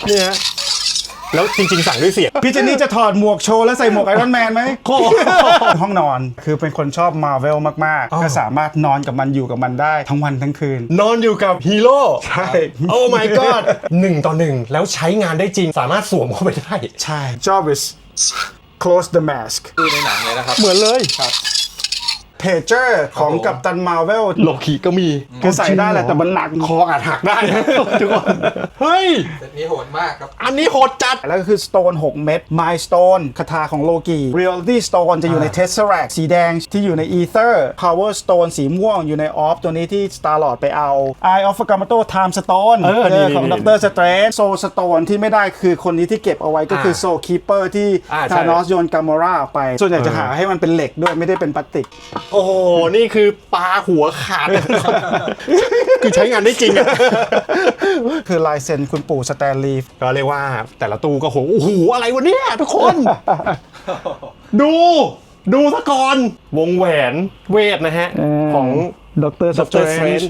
เนี่ยแล้วจริงๆสั่งด้วยเสียงพี่เจนนี่จะถอดหมวกโชว์แล้วใส่หมวกไอรอนแมนไหมห้องนอนคือเป็นคนชอบมาร์เวลมากๆก็สามารถนอนกับมันอยู่กับมันได้ทั้งวันทั้งคืนนอนอยู่กับฮีโร่ใช่โอ้ my god 1 ต่อ 1แล้วใช้งานได้จริงสามารถสวมเข้าไปได้ใช่ Jarvis close the mask คือในหนังเลยนะครับเหมือนเลยเพเจอร์ของกัปตันมาร์เวลโลคีก็มีคือใส่ได้แหละแต่มันหนักคออาจหักได้ ทุกคนเฮ้ยเซตนี้โหดมากครับอันนี้โหดจัดแล้วก็คือ Stone 6 เม็ด Mind Stone คาถาของโลกี Reality Stone จะอยู่ใน Tesseract สีแดงที่อยู่ใน Ether Power Stone สีม่วงอยู่ใน Orb ตัวนี้ที่ Star-Lord ไปเอา Eye of Agamotto Time Stone นี่ของนี่ Doctor Strange Soul Stone ที่ไม่ได้คือคนนี้ที่เก็บเอาไว้ก็คือ Soul Keeper ที่ใช่ Thanos โยน Gamora ออกไป ส่วนใหญ่จะหาให้มันเป็นเหล็กด้วยไม่ได้เป็นพลาสติกโอ้โห นี่คือปลาหัวขาด คือใช้งานได้จริงอะคือลายเซ็นคุณปู่สแตนลีย์ก็เรียกว่าแต่ละตู้ก็โอ้โหอะไรวะเนี่ยทุกคน ดูซะก่อนวงแหวนเวทนะฮะ ของ Doctor Doctor Strange Strange